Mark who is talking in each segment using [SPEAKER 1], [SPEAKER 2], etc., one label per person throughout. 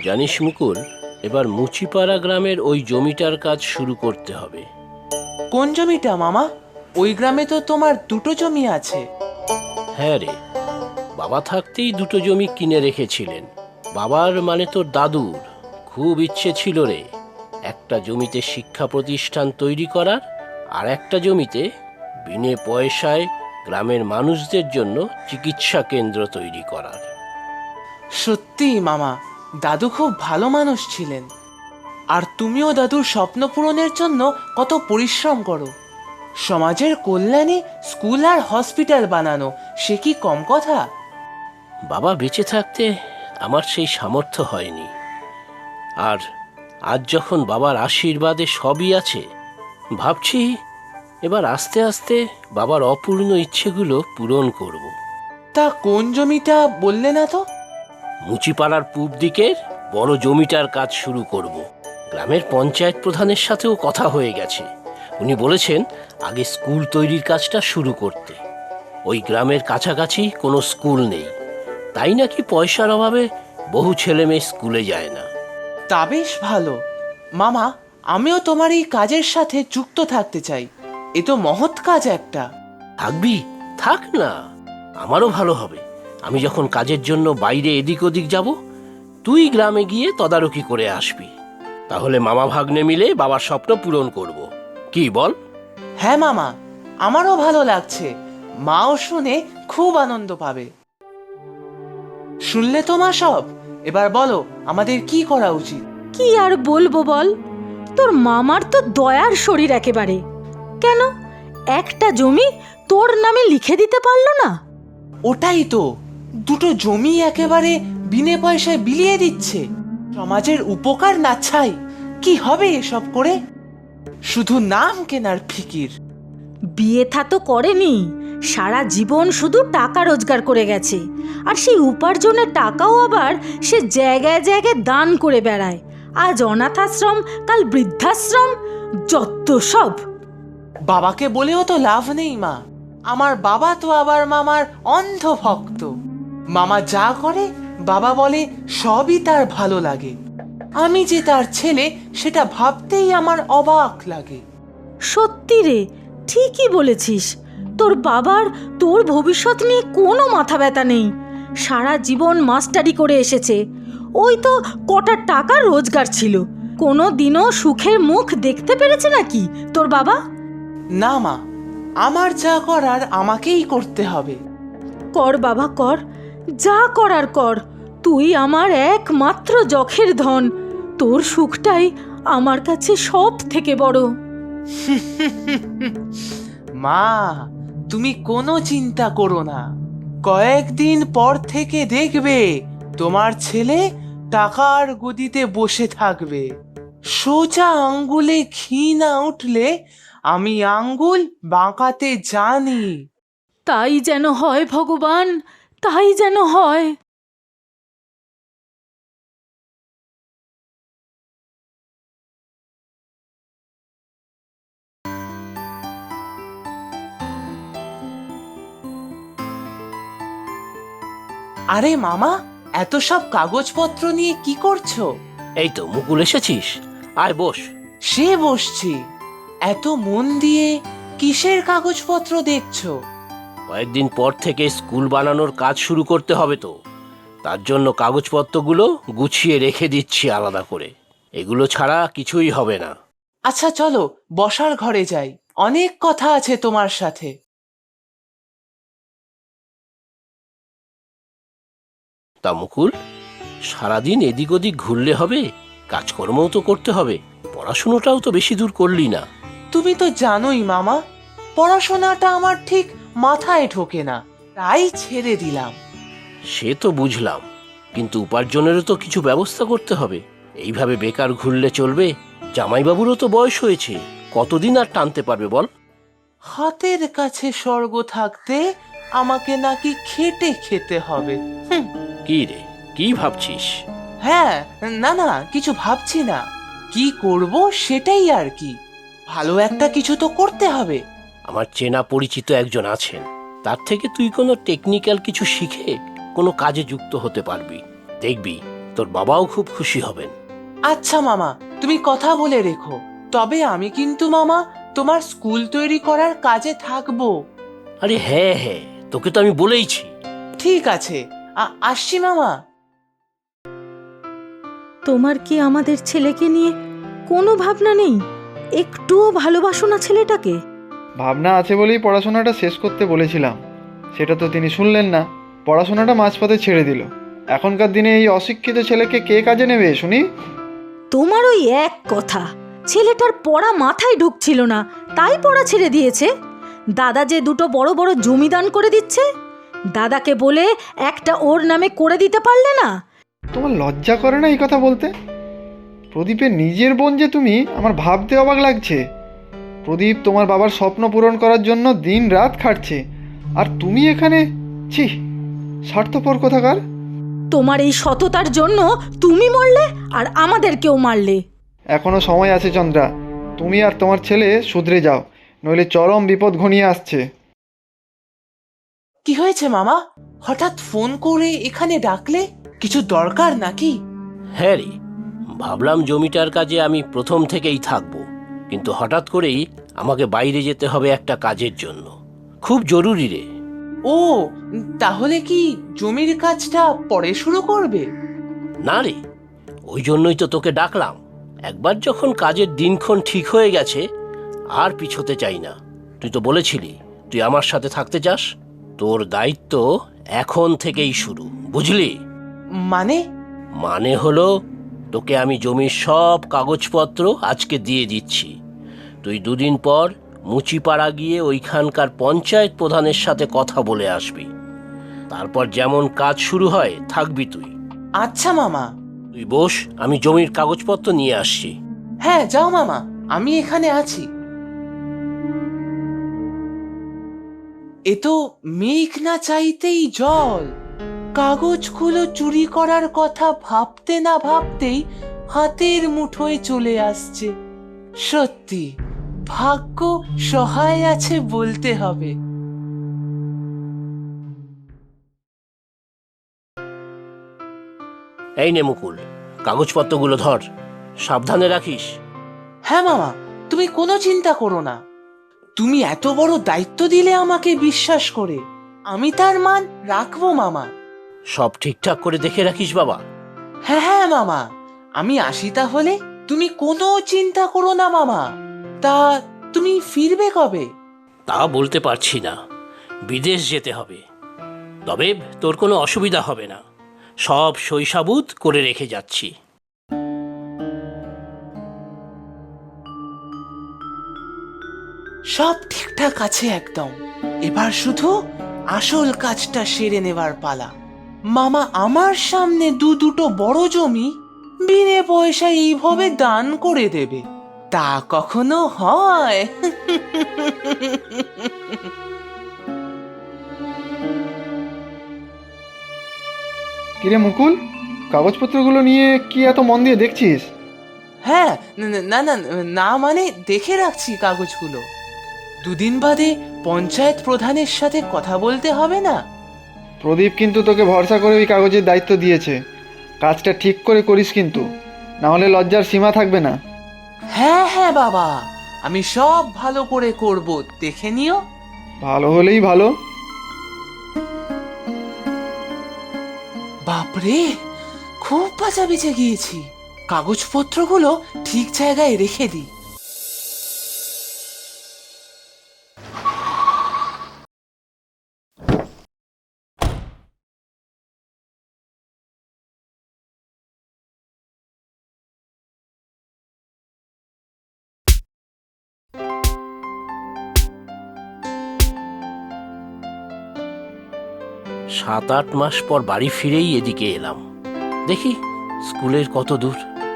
[SPEAKER 1] জানিস মুকুল, এবার মুচিপাড়া গ্রামের ওই জমিটার কাজ শুরু করতে হবে।
[SPEAKER 2] কোন জমিটা মামা? ওই গ্রামে তো তোমার দুটো জমি আছে।
[SPEAKER 1] হ্যাঁ রে, বাবা থাকতেই দুটো জমি কিনে রেখেছিলেন। বাবার মানে তোর দাদুর খুব ইচ্ছে ছিল রে, একটা জমিতে শিক্ষা প্রতিষ্ঠান তৈরি করার, আর একটা জমিতে বিনে পয়সায় গ্রামের মানুষদের জন্য চিকিৎসা কেন্দ্র তৈরি করার।
[SPEAKER 2] সত্যি মামা, দাদু খুব ভালো মানুষ ছিলেন। আর তুমিও দাদুর স্বপ্ন পূরণের জন্য কত পরিশ্রম করো। সমাজের কল্যাণে স্কুল আর হসপিটাল বানানো, সে কি কম কথা?
[SPEAKER 1] বাবা বেঁচে থাকতে আমার সেই সামর্থ্য হয়নি, আর আজ যখন বাবার আশীর্বাদে সবই আছে, ভাবছি এবার আস্তে আস্তে বাবার অপূর্ণ ইচ্ছেগুলো পূরণ করব।
[SPEAKER 2] তা কোন জমিটা বললে না তো?
[SPEAKER 1] মুচিপাড়ার পূব দিকের বড় জমিটার কাজ শুরু করব। গ্রামের পঞ্চায়েত প্রধানের সাথেও কথা হয়ে গেছে। উনি বলেছেন আগে স্কুল তৈরির কাজটা শুরু করতে। ওই গ্রামের কাছাকাছি কোনো স্কুল নেই, তাই নাকি পয়সার অভাবে বহু ছেলে মেয়ে স্কুলে যায় না।
[SPEAKER 2] তা বেশ ভালো মামা, আমিও তোমার এই কাজের সাথে যুক্ত থাকতে চাই। এ তো মহৎ কাজ একটা।
[SPEAKER 1] থাকবি? থাক না, আমারও ভালো হবে। আমি যখন কাজের জন্য বাইরে এদিক ওদিক যাব, তুই গ্রামে গিয়ে তদারকি করে আসবি। তাহলে মামা ভাগ্নে মিলে বাবার স্বপ্ন পূরণ করব। কি বল?
[SPEAKER 2] হ্যাঁ মামা, আমারও ভালো লাগছে। মাও শুনে খুব আনন্দ পাবে। শুনলে তো মা সব? এবার বলো আমাদের কি করা উচিত?
[SPEAKER 3] কি আর বলবো বল, তোর মামার তো দয়ার শরীর একেবারে। কেন একটা জমি তোর নামে লিখে দিতে পারলো না?
[SPEAKER 2] ওটাই তো, দুটো জমি একেবারে বিনে পয়সায় বিলিয়ে দিচ্ছে। সমাজের উপকার না চাই, কি হবে এসব করে? শুধু নাম কেনার ফিকির।
[SPEAKER 3] বিয়ে থা তো করেনি, সারা জীবন শুধু টাকা রোজগার করে গেছে। আর সেই উপার্জনের টাকাও আবার সে জায়গায় জায়গায় দান করে বেড়ায়। আজ অনাথ আশ্রম, কাল বৃদ্ধাশ্রম, যত সব।
[SPEAKER 2] বাবাকে বলেও তো লাভ নেই মা। আমার বাবা তো আবার মামার অন্ধ ভক্ত। মামা যা করে বাবা বলে সবই তার ভালো লাগে। আমি যে তার ছেলে সেটা ভাবতেই আমার অবাক লাগে।
[SPEAKER 3] সত্যি রে, ঠিকই বলেছিস। তোর বাবার তোর ভবিষ্যৎ নিয়ে কোনো মাথা ব্যথা নেই। সারা জীবন মাস্টারি করে এসেছে। ওই তো কটা টাকা রোজগার ছিল, কোনো দিনও সুখের মুখ দেখতে পেরেছে নাকি তোর বাবা?
[SPEAKER 2] না মা, আমার যা করার আমাকেই করতে হবে।
[SPEAKER 3] কর বাবা কর, যা করার কর। তুই আমার একমাত্র যখের ধন। তোর সুখটাই আমার কাছে সব থেকে বড়।
[SPEAKER 2] মা, তুমি কোনো চিন্তা করো না। কয়েকদিন পর থেকে দেখবে তোমার ছেলে টাকার গদিতে বসে থাকবে। সোজা আঙ্গুলে ঘি না উঠলে আমি আঙ্গুল বাঁকাতে জানি।
[SPEAKER 3] তাই যেন হয় ভগবান, তাই যেন হয়।
[SPEAKER 2] আরে মামা, এত সব কাগজপত্র নিয়ে কি করছো?
[SPEAKER 1] এই তো মুকুল, এসেছিস, আয় বস।
[SPEAKER 2] সে বসছি। এত মন দিয়ে কিসের কাগজপত্র দেখছো?
[SPEAKER 1] কয়েকদিন পর থেকে স্কুল বানানোর কাজ শুরু করতে হবে তো, তার জন্য কাগজপত্রগুলো গুছিয়ে রেখে দিচ্ছি আলাদা করে। এগুলো ছাড়া কিছুই হবে না।
[SPEAKER 2] আচ্ছা চলো বসার ঘরে যাই, অনেক কথা আছে তোমার সাথে।
[SPEAKER 1] তা মুকুল, সারাদিন এদিক ওদিক ঘুরলে হবে? কাজকর্মও তো করতে হবে, পড়াশুনোটাও তো বেশি দূর করলি না।
[SPEAKER 2] তুমি তো জানোই মামা, পড়াশোনাটা আমার ঠিক মাথায় ঢোকে না, তাই ছেড়ে দিলাম।
[SPEAKER 1] সে তো বুঝলাম, কিন্তু উপার্জনেরও তো কিছু ব্যবস্থা করতে হবে। এইভাবে বেকার ঘুরলে চলবে? জামাইবাবুরও তো বয়স হয়েছে, কতদিন আর টানতে পারবে বল?
[SPEAKER 2] হাতের কাছে স্বর্গ থাকতে আমাকে নাকি খেটে খেতে হবে।
[SPEAKER 1] কি রে, কি ভাবছিস?
[SPEAKER 2] হ্যাঁ, না না, কিছু ভাবছি না। কি করব সেটাই আর কি। ভালো একটা কিছু তো করতে হবে।
[SPEAKER 1] আমার চেনা পরিচিত একজন আছেন, তার থেকে তুই কোনো টেকনিক্যাল কিছু শিখে কোনো কাজে যুক্ত হতে পারবি। দেখবি তোর বাবাও খুব খুশি হবেন।
[SPEAKER 2] আচ্ছা মামা, তুমি কথা বলে রেখো। তবে আমি কিন্তু মামা তোমার স্কুল তৈরি করার কাজে থাকবো।
[SPEAKER 1] আরে হ্যাঁ হ্যাঁ, তোকে তো আমি বলেইছি।
[SPEAKER 2] ঠিক আছে, আসছি মামা।
[SPEAKER 3] তোমার কি আমাদের ছেলেকে নিয়ে কোনো ভাবনা নেই? একটুও ভালোবাসো না ছেলেটাকে?
[SPEAKER 4] ভাবনা আছে বলেই পড়াশোনাটা শেষ করতে বলেছিলাম, সেটা তো তিনি শুনলেন না, পড়াশোনাটা মাঝপথে ছেড়ে দিল। এখনকার দিনে এই অশিক্ষিত ছেলেকে কে কাজে নেবে শুনি?
[SPEAKER 3] তোমার ওই এক কথা, ছেলেটার পড়া মাথায় ঢুকছিল না তাই পড়া ছেড়ে দিয়েছে। দাদা যে দুটো বড় বড় জমি দান করে দিচ্ছে, দাদাকে বলে একটা ওর নামে করে দিতে পারলে না?
[SPEAKER 4] তোমার লজ্জা করে না এই কথা বলতে? প্রদীপের নিজের বোন যে তুমি, আমার ভাবতে অবাক লাগছে। প্রদীপ তোমার বাবার স্বপ্ন পূরণ করার জন্য দিন রাত খাটছে, আর তুমি এখানে? ছি, স্বার্থপর কোথাকার।
[SPEAKER 3] তোমার এই সততার জন্য তুমি মরলে আর আমাদেরকেও মারলে।
[SPEAKER 4] এখনো সময় আছে চন্দ্রা, তুমি আর তোমার ছেলে শুধরে যাও, নইলে চরম বিপদ ঘনিয়ে আসছে।
[SPEAKER 2] কি হয়েছে মামা? হঠাৎ ফোন করে এখানে ডাকলে? কিছু দরকার নাকি?
[SPEAKER 1] হ্যাঁ রে, ভাবলাম জমিটার কাজে আমি প্রথম থেকেই থাকবো, কিন্তু হঠাৎ করেই আমাকে বাইরে যেতে হবে একটা কাজের জন্য, খুব জরুরি রে।
[SPEAKER 2] ও, তাহলে কি জমির কাজটা পরে শুরু করবে?
[SPEAKER 1] না রে, ওই জন্যই তো তোকে ডাকলাম। একবার যখন কাজের দিনক্ষণ ঠিক হয়ে গেছে, আর পিছোতে চাই না। তুই তো বলেছিলি তুই আমার সাথে থাকতে চাস। তোর দায়িত্ব এখন থেকেই শুরু, বুঝলি?
[SPEAKER 2] মানে?
[SPEAKER 1] মানে হলো, তোকে আমি জমির সব কাগজপত্র আজকে দিয়ে দিচ্ছি। তুই দুদিন পর মুচিপাড়া গিয়ে ওইখানকার পঞ্চায়েত প্রধানের সাথে কথা বলে আসবি। তারপর যেমন কাজ শুরু হয় থাকবি তুই।
[SPEAKER 2] আচ্ছা মামা।
[SPEAKER 1] তুই বস, আমি জমির কাগজপত্র নিয়ে আসছি।
[SPEAKER 2] হ্যাঁ যাও মামা, আমি এখানে আছি। এ তো মেঘ না চাইতেই জল। কাগজগুলো চুরি করার কথা ভাবতে না ভাবতেই হাতের মুঠোয় চলে আসছে। সত্যি ভাগ্য সহায় আছে বলতে হবে।
[SPEAKER 1] এই নে মুকুল, কাগজপত্রগুলো ধর, সাবধানে রাখিস।
[SPEAKER 2] হ্যাঁ মামা, তুমি কোনো চিন্তা করো না। তুমি এত বড় দায়িত্ব দিলে আমাকে বিশ্বাস করে, আমি তার মান রাখবো মামা।
[SPEAKER 1] সব ঠিকঠাক করে দেখে রাখিস বাবা।
[SPEAKER 2] হ্যাঁ হ্যাঁ মামা, আমি আসি তাহলে। তুমি কোনো চিন্তা করো না মামা। তা তুমি ফিরবে কবে?
[SPEAKER 1] তা বলতে পারছি না, বিদেশ যেতে হবে। তবে তোর কোনো অসুবিধা হবে না, সব সইসাবুত করে রেখে যাচ্ছি।
[SPEAKER 2] সব ঠিকঠাক আছে একদম। এবার শুধু আসল কাজটা সেরে নেবার পালা। মামা আমার সামনে দুটো বড় জমি বিনে পয়সায় এইভাবে দান করে দেবে, তা কখনো হয়?
[SPEAKER 4] কিরে মুকুল, কাগজপত্রগুলো নিয়ে কি এত মন দিয়ে দেখছিস?
[SPEAKER 2] হ্যাঁ, না না না, মানে দেখে রাখছি কাগজগুলো। দুদিন বাদে পঞ্চায়েত প্রধানের সাথে কথা বলতে হবে না?
[SPEAKER 4] প্রদীপ কিন্তু তোকে ভরসা করে ওই কাগজের দায়িত্ব দিয়েছে, কাজটা ঠিক করে করিস কিন্তু, না হলে লজ্জার সীমা থাকবে না।
[SPEAKER 2] হ্যাঁ হ্যাঁ বাবা, আমি সব ভালো করে করব, দেখে নিও।
[SPEAKER 4] ভালো হলেই ভালো।
[SPEAKER 2] বাপরে, খুব বাঁচা বেঁচে গিয়েছি। কাগজপত্রগুলো ঠিক জায়গায় রেখে দিই।
[SPEAKER 1] সাত আট মাস পর বাড়ি ফিরেই এদিকে এলাম। দেখি স্কুলের কত দূর।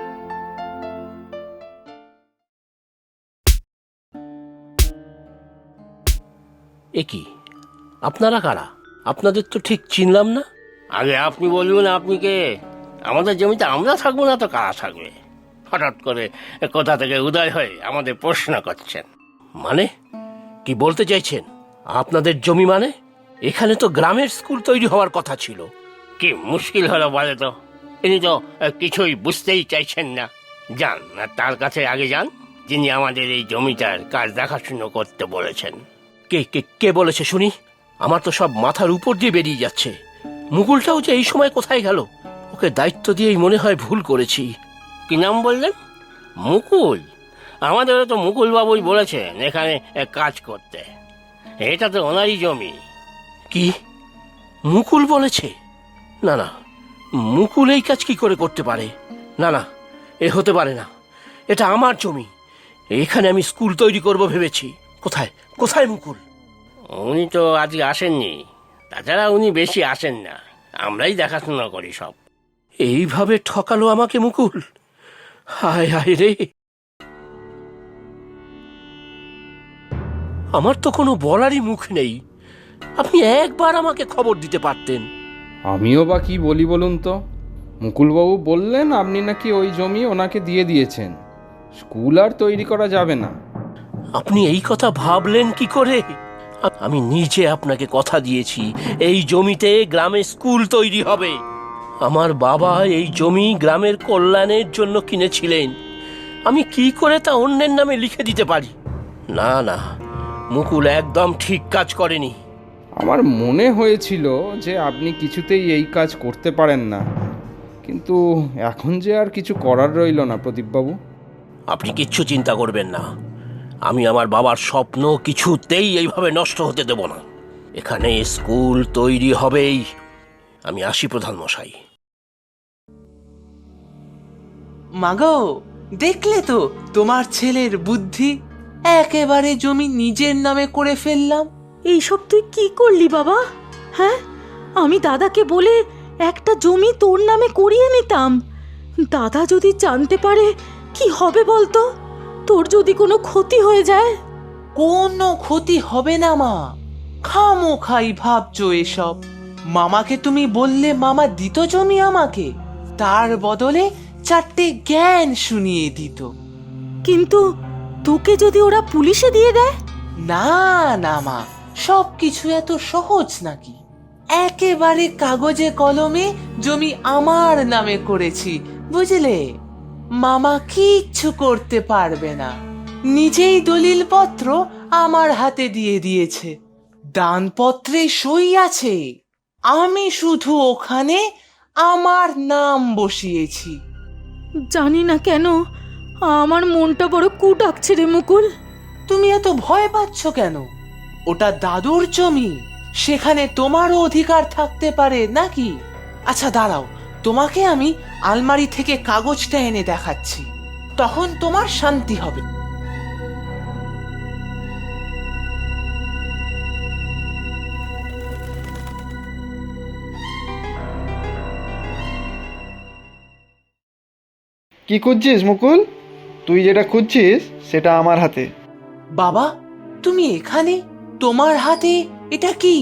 [SPEAKER 1] এ কি, আপনারা কারা? আপনাদের তো ঠিক চিনলাম না। আগে আপনি বলুন, আপনি কে? আমাদের জমিতে আমরা থাকবো না তো কারা থাকবে? হঠাৎ করে কোথা থেকে উদয় হয়ে আমাদের প্রশ্ন করছেন? মানে কি বলতে চাইছেন? আপনাদের জমি মানে? এখানে তো গ্রামের স্কুল তৈরি হওয়ার কথা ছিল। কি মুশকিল হলো বলে তো? ইনি তো কিছুই বুঝতেই চাইছেন না। যান, তার কাছে আগে যান, যিনি আমাদের এই জমিটার কাজ দেখাশুনো করতে বলেছেন। কে কে কে বলেছে শুনি? আমার তো সব মাথার উপর দিয়ে বেরিয়ে যাচ্ছে। মুকুলটাও যে এই সময় কোথায় গেল? ওকে দায়িত্ব দিয়েই মনে হয় ভুল করেছি। কি নাম বললেন? মুকুল? আমাদেরও তো মুকুল বাবুই বলেছেন এখানে কাজ করতে। এটা তো ওনারই জমি। কি মুকুল বলেছে? না না, মুকুল এই কাজ কি করে করতে পারে? না না, এ হতে পারে না। এটা আমার জমি, এখানে আমি স্কুল তৈরি করব ভেবেছি। কোথায় কোথায় মুকুল? উনি তো আজকে আসেননি, তাছাড়া উনি বেশি আসেন না, আমরাই দেখাশোনা করি সব। এইভাবে ঠকালো আমাকে মুকুল। হায় হায় রে, আমার তো কোনো বলারই মুখ নেই। আপনি একবার আমাকে খবর দিতে পারতেন।
[SPEAKER 5] আমিও বা কি বলি বলুন তো। মুকুলবাবু বললেন আপনি নাকি ওই জমি ওনাকে দিয়ে দিয়েছেন, স্কুল আর তৈরি করা যাবে না।
[SPEAKER 1] আপনি এই কথা ভাবলেন কি করে? আমি নিজে আপনাকে কথা দিয়েছি এই জমিতে গ্রামে স্কুল তৈরি হবে। আমার বাবা এই জমি গ্রামের কল্যাণের জন্য কিনেছিলেন। আমি কি করে তা অন্যের নামে লিখে দিতে পারি? না না, মুকুল একদম ঠিক কাজ করেনি।
[SPEAKER 5] আমার মনে হয়েছিল যে আপনি কিছুতেই এই কাজ করতে পারেন না, কিন্তু এখন যে আর কিছু করার রইল না প্রদীপবাবু।
[SPEAKER 1] আপনি কিচ্ছু চিন্তা করবেন না, আমি আমার বাবার স্বপ্ন কিছুতেই এইভাবে নষ্ট হতে দেব না। এখানে স্কুল তৈরি হবেই। আমি আসি প্রধান মশাই।
[SPEAKER 2] মাগো, দেখলে তো তোমার ছেলের বুদ্ধি, একেবারে জমি নিজের নামে করে ফেললাম।
[SPEAKER 3] এইসব তুই কি করলি বাবা? হ্যাঁ, আমি দাদাকে বলে একটা জমি তোর নামে করিয়ে নিতাম। দাদা যদি জানতে পারে কি হবে বলতো? তোর যদি কোনো ক্ষতি হয়ে যায়।
[SPEAKER 2] কোনো ক্ষতি হবে না মা, খামোখাই ভাবছো এসব। মামাকে তুমি বললে মামা দিত জমি আমাকে, তার বদলে 4টে জ্ঞান শুনিয়ে দিত।
[SPEAKER 3] কিন্তু তোকে যদি ওরা পুলিশে দিয়ে দেয়?
[SPEAKER 2] না না মা, সব কিছু এত সহজ নাকি? একেবারে কাগজে কলমে জমি আমার নামে করেছি, বুঝলে? মামা কিচ্ছু করতে পারবে না। নিজেই দলিলপত্র আমার হাতে দিয়ে দিয়েছে, দানপত্রে সই আছে। আমি শুধু ওখানে আমার নাম বসিয়েছি।
[SPEAKER 3] জানি না কেন আমার মনটা বড় কু ডাকছে রে মুকুল।
[SPEAKER 2] তুমি এত ভয় পাচ্ছ কেন? ওটা দাদুর জমি, সেখানে তোমারও অধিকার থাকতে পারে নাকি? আচ্ছা দাঁড়াও, তোমাকে আমি আলমারি থেকে কাগজটা এনে দেখাচ্ছি, তখন তোমার শান্তি হবে।
[SPEAKER 4] কি খুঁজছিস মুকুল? তুই যেটা খুঁজছিস সেটা আমার হাতে।
[SPEAKER 2] বাবা, তুমি এখানে? তোমার হাতে এটা কি?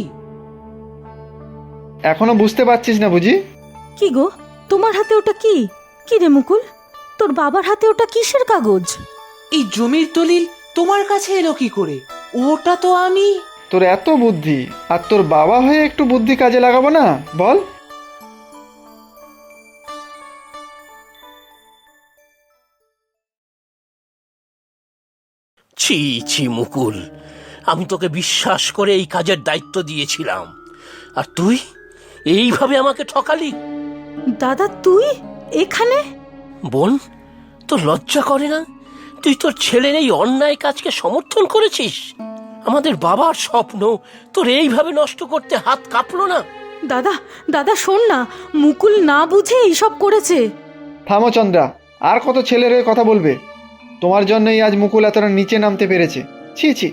[SPEAKER 4] এখনো বুঝতে পারছিস না বুঝি?
[SPEAKER 3] কি গো, তোমার হাতে ওটা কি? কি রে মুকুল, তোর বাবার হাতে ওটা কিসের কাগজ?
[SPEAKER 2] এই জমির দলিল তোমার কাছে এলো কি করে? ওটা তো আমি।
[SPEAKER 4] তোর এত বুদ্ধি, আর তোর বাবা হয়ে একটু বুদ্ধি কাজে লাগাবো না বল?
[SPEAKER 1] ছি ছি মুকুল, আমি তোকে বিশ্বাস করে এই কাজের দায়িত্ব দিয়েছিলাম, আর তুই এইভাবে আমাকে ঠকালি।
[SPEAKER 3] দাদা তুই এখানে?
[SPEAKER 1] বোন, তোর লজ্জা করে না? তুই তোর ছেলের এই অন্যায় কাজকে সমর্থন করেছিস। আমাদের বাবার স্বপ্ন তোর এইভাবে নষ্ট করতে হাত কাঁপলো না?
[SPEAKER 3] দাদা, দাদা শোন না, মুকুল না বুঝে এইসব করেছে।
[SPEAKER 4] থামো চন্দ্রা, আর কত ছেলের হয়ে কথা বলবে? তোমার জন্যই আজ মুকুল এতটা নিচে নামতে পেরেছে। ছি ছি।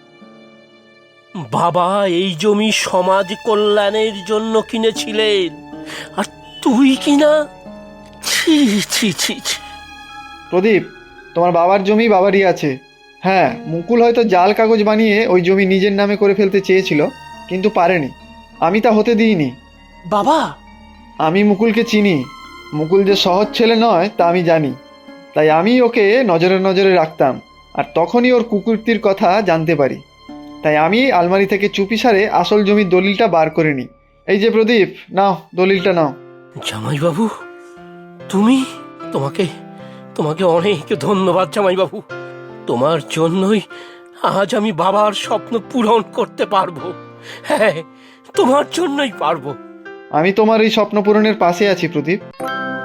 [SPEAKER 1] বাবা এই জমি সমাজ কল্যাণের জন্য কিনেছিলেন, আর তুই কিনা? ছি ছি ছি ছি।
[SPEAKER 4] প্রদীপ, তোমার বাবার জমি বাবারই আছে। হ্যাঁ, মুকুল হয়তো জাল কাগজ বানিয়ে ওই জমি নিজের নামে করে ফেলতে চেয়েছিল, কিন্তু পারেনি। আমি তা হতে দিইনি।
[SPEAKER 2] বাবা,
[SPEAKER 4] আমি মুকুলকে চিনি। মুকুল যে সহজ ছেলে নয় তা আমি জানি, তাই আমি ওকে নজরে নজরে রাখতাম, আর তখনই ওর কুকীর্তির কথা জানতে পারি। তাই আমি আলমারি থেকে চুপিসারে আসল জমির দলিলটা বার করে নিই। এই যে প্রদীপ, নাও দলিলটা নাও।
[SPEAKER 1] জামাইবাবু, তুমি তোমাকে তোমাকে অনেক ধন্যবাদ জামাইবাবু। তোমার জন্যই আজ আমি বাবার স্বপ্ন পূরণ করতে পারবো। হ্যাঁ, তোমার জন্যই পারবো।
[SPEAKER 4] আমি তোমার এই স্বপ্ন পূরণের পাশে আছি প্রদীপ।